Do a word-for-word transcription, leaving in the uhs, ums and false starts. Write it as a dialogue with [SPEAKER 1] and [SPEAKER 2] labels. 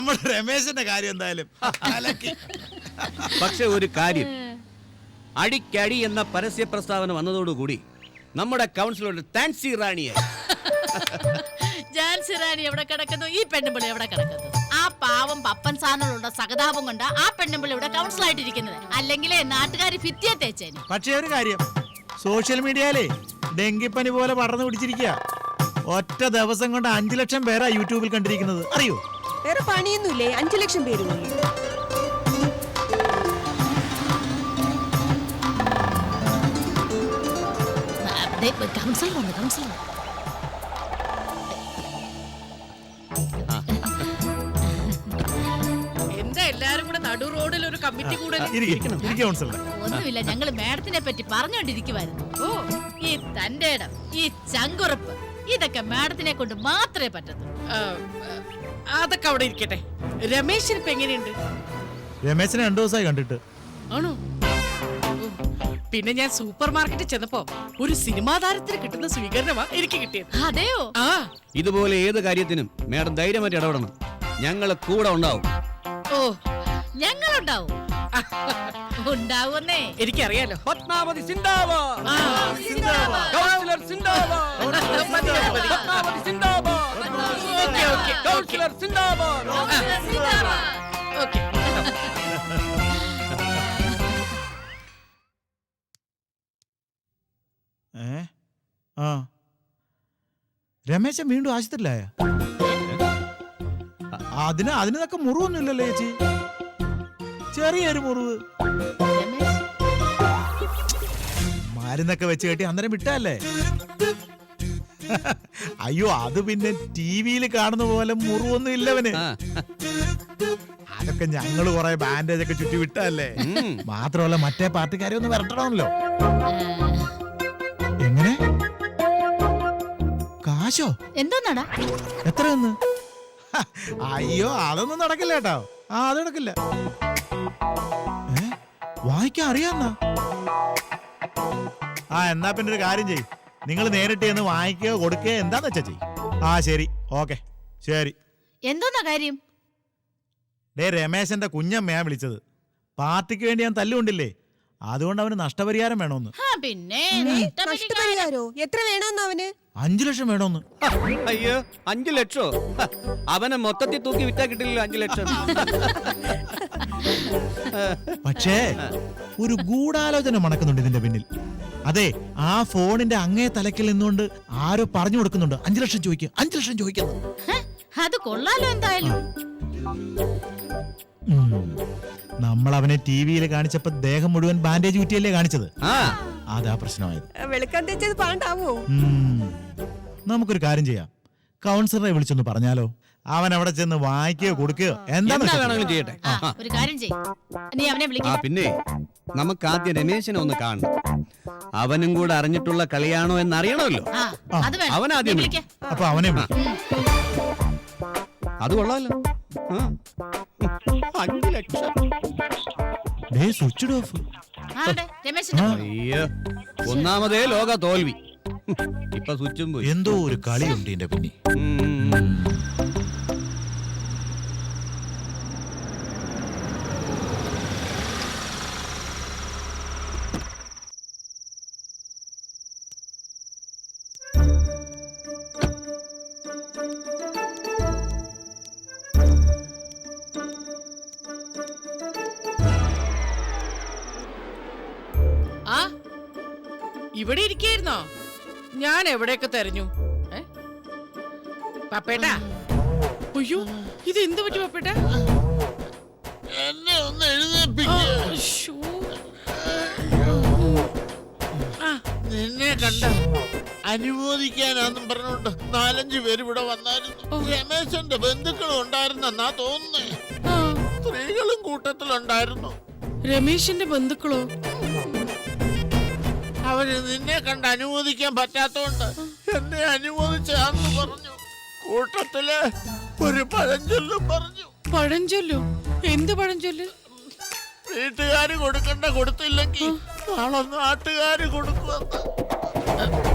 [SPEAKER 1] നമ്മുടെ രമേശന്റെ കാര്യം എന്തായാലും
[SPEAKER 2] പക്ഷെ ഒരു കാര്യം, അടിക്കടി എന്ന പരസ്യ പ്രസ്താവന വന്നതോടുകൂടി നമ്മുടെ കൗൺസിലറുടെ താൻസി റാണിയെ
[SPEAKER 3] ജാൻസി റാണി എവിടെ കിടക്കുന്നു, ഈ പെണ്ണുമ്പിളി എവിടെ കിടക്കുന്നു? ആ പാവം പപ്പൻ സാറിനോടുള്ള സഹതാപം കൊണ്ട് ആ പെണ്ണുമ്പിളി ഇവിടെ കൗൺസിലായിട്ടിരിക്കുന്നത്. അല്ലെങ്കിലേ നാട്ടുകാർ ഭിത്തിയെ തേച്ചേന്.
[SPEAKER 1] പക്ഷേ ഒരു കാര്യം, സോഷ്യൽ മീഡിയയിലെ ഡെങ്കിപ്പനി പോലെ പടർന്നു പിടിച്ചിരിക്കുക. ഒറ്റ ദിവസം കൊണ്ട് അഞ്ചു ലക്ഷം പേരാ യൂട്യൂബിൽ കണ്ടിരിക്കുന്നത്, അറിയോ?
[SPEAKER 4] വേറെ പണിയൊന്നുമില്ലേ? അഞ്ചു ലക്ഷം പേര്
[SPEAKER 3] കൗൺസിലർ വന്നു, കൗൺസിലർ.
[SPEAKER 5] എന്താ എല്ലാരും കൂടെ നടു റോഡിൽ ഒരു കമ്മിറ്റി കൂടെ?
[SPEAKER 3] ഒന്നുമില്ല, ഞങ്ങള് മാഡത്തിനെ പറ്റി പറഞ്ഞോണ്ടിരിക്കുവായിരുന്നു. ഓ, ഈ തന്റെ ഇടം, ഈ ചങ്കുറപ്പ്, ഇതൊക്കെ മാഡത്തിനെ കൊണ്ട് മാത്രമേ പറ്റൂ.
[SPEAKER 5] അതൊക്കെ അവിടെ ഇരിക്കട്ടെ. രമേശിന് ഇപ്പൊ എങ്ങനെയുണ്ട്?
[SPEAKER 1] രമേശിനെ രണ്ടു ദിവസമായി കണ്ടിട്ട്.
[SPEAKER 5] ആണോ? പിന്നെ ഞാൻ സൂപ്പർ മാർക്കറ്റിൽ ചെന്നപ്പോ ഒരു സിനിമാ താരത്തിന് കിട്ടുന്ന സ്വീകരണമാ എനിക്ക് കിട്ടിയത്.
[SPEAKER 3] അതെയോ?
[SPEAKER 5] ആ,
[SPEAKER 2] ഇതുപോലെ ഏത് കാര്യത്തിനും മേഡം ധൈര്യമായിട്ട് ഇടപെടണം. ഞങ്ങള് കൂടെ ഉണ്ടാവും.
[SPEAKER 3] ഓ, ഞങ്ങളുണ്ടാവും. ഉണ്ടാവുന്നേ
[SPEAKER 5] എനിക്കറിയാലോ.
[SPEAKER 2] പത്മാവതി സിന്ദാബാദ്, കൗൺസിലർ സിന്ദാബാദ്, പത്മാവതി സിന്ദാബാദ്,
[SPEAKER 5] ഓക്കേ ഓക്കേ
[SPEAKER 2] കൗൺസിലർ സിന്ദാബാദ്.
[SPEAKER 5] ഓക്കേ.
[SPEAKER 1] ഏ ആ രമേശൻ വീണ്ടും ആശുപത്രിയിലായ? അതിന് അതിനൊക്കെ മുറിവൊന്നുമില്ലല്ലോ ചേച്ചി, ചെറിയൊരു മുറിവ്. മരുന്നൊക്കെ വെച്ച് കെട്ടി അന്നേരം വിട്ടല്ലേ? അയ്യോ, അത് പിന്നെ ടി വിയിൽ കാണുന്ന പോലെ മുറിവൊന്നും ഇല്ലവന്. അതൊക്കെ ഞങ്ങള് കൊറേ ബാൻഡേജ് ഒക്കെ ചുറ്റി വിട്ടല്ലേ. മാത്രമല്ല മറ്റേ പാർട്ടിക്കാരെ ഒന്ന് വരട്ടണമല്ലോ. എങ്ങനെ? കാശോ?
[SPEAKER 3] എന്താ?
[SPEAKER 1] എത്രയെന്ന്? അയ്യോ, അതൊന്നും നടക്കില്ല കേട്ടോ. ആ, അത് നടക്കില്ല. ഏ വായിക്കാൻ അറിയാന്നാ? ആ, എന്നാ പിന്നെ ഒരു കാര്യം ചെയ്യും, നിങ്ങൾ നേരിട്ട് എന്ന് വാങ്ങിക്കുകയോ കൊടുക്കുകയോ എന്താന്ന് വെച്ചാ ചെയ്യും. ആ ശരി, ഓക്കെ, ശരി.
[SPEAKER 3] എന്താ കാര്യം?
[SPEAKER 1] ഡേ, രമേശന്റെ കുഞ്ഞമ്മയാ വിളിച്ചത്. പാർട്ടിക്ക് വേണ്ടി ഞാൻ തല്ലുകൊണ്ടില്ലേ, അതുകൊണ്ട് അവന് നഷ്ടപരിഹാരം വേണോന്ന്.
[SPEAKER 3] പിന്നെ
[SPEAKER 4] നഷ്ടപരിഹാരോ? എത്ര വേണമെന്ന് അവന്?
[SPEAKER 1] അഞ്ചു ലക്ഷം വേണോന്ന്.
[SPEAKER 2] അയ്യോ, അഞ്ചു ലക്ഷോ? അവനെ മൊത്തത്തിൽ തൂക്കി വിറ്റാ കിട്ടില്ലല്ലോ അഞ്ചു ലക്ഷം.
[SPEAKER 1] പക്ഷേ ഒരു ഗൂഢാലോചന മണക്കുന്നുണ്ട് ഇതിന്റെ പിന്നിൽ. അതെ, ആ ഫോണിന്റെ അങ്ങേ തലക്കിൽ നിന്നുകൊണ്ട് ആരോ പറഞ്ഞു കൊടുക്കുന്നുണ്ട് അഞ്ചു ലക്ഷം ചോദിക്കുക, അഞ്ചു ലക്ഷം ചോദിക്കുന്നു.
[SPEAKER 3] അത് കൊള്ളാലോ. എന്തായാലും
[SPEAKER 1] നമ്മൾ അവനെ ടി വിയിൽ കാണിച്ചപ്പോ ദേഹം മുഴുവൻ ബാൻഡേജ് കുറ്റിയല്ലേ കാണിച്ചത്. അതാ പ്രശ്നമായത്.
[SPEAKER 4] വെളുക്കാൻ തെച്ചത് പാണ്ടാവോ?
[SPEAKER 1] നമുക്കൊരു കാര്യം ചെയ്യാം, കൗൺസിലറെ വിളിച്ചൊന്ന് പറഞ്ഞാലോ? അവൻ അവിടെ ചെന്ന് വായിക്കുകയോ കൊടുക്കുകയോ എന്താ
[SPEAKER 2] വേണമെങ്കിലും ചെയ്യട്ടെ.
[SPEAKER 3] ഒരു കാര്യം ചെയ്യ്, നീ അവനെ വിളിക്ക്.
[SPEAKER 2] പിന്നെ നമുക്ക് ആദ്യം രമേശനെ ഒന്ന് കാണണം. അവനും കൂടെ അറിഞ്ഞിട്ടുള്ള കളിയാണോ എന്നറിയണമല്ലോ. അവനാദ്യം വിളിക്ക്.
[SPEAKER 1] അപ്പൊ അവനെ വിളിക്കും.
[SPEAKER 2] അത് കൊള്ളാലോ. അഞ്ചു ലക്ഷം.
[SPEAKER 1] Switch off.
[SPEAKER 2] അയ്യോ, ഒന്നാമതേ ലോക തോൽവി. ഇപ്പൊ സ്വിച്ചും പോയി.
[SPEAKER 1] എന്തോ ഒരു കളിയുണ്ട് ഇതിന്റെ പിന്നെ.
[SPEAKER 5] ഇവിടെ ഇരിക്കായിരുന്നോ? ഞാൻ എവിടെയൊക്കെ തെരഞ്ഞു. പപ്പേട്ടാ, അയ്യോ, ഇത് എന്ത് പറ്റി പപ്പേട്ട?
[SPEAKER 6] എന്നെ ഒന്ന് എഴുന്നേൽപ്പിക്കൂ. നിന്നെ കണ്ട അനുമോദിക്കാനാന്നും പറഞ്ഞോണ്ട് നാലഞ്ചു പേര് ഇവിടെ വന്നായിരുന്നു. രമേശന്റെ ബന്ധുക്കളും ഉണ്ടായിരുന്നെന്നാ തോന്നുന്നേ. സ്ത്രീകളും കൂട്ടത്തിലുണ്ടായിരുന്നു.
[SPEAKER 5] രമേശിന്റെ ബന്ധുക്കളോ?
[SPEAKER 6] അവര് നിന്നെ കണ്ട് അനുമോദിക്കാൻ പറ്റാത്തോണ്ട് എന്നെ അനുമോദിച്ചാന്ന് പറഞ്ഞു. കൂട്ടത്തില് ഒരു പഴഞ്ചൊല്ലും പറഞ്ഞു.
[SPEAKER 5] പഴഞ്ചൊല്ലോ? എന്ത് പഴഞ്ചൊല്ല്?
[SPEAKER 6] വീട്ടുകാര് കൊടുക്കണ്ട കൊടുത്തില്ലെങ്കിൽ നാളെ നാട്ടുകാര് കൊടുക്കുമെന്ന്.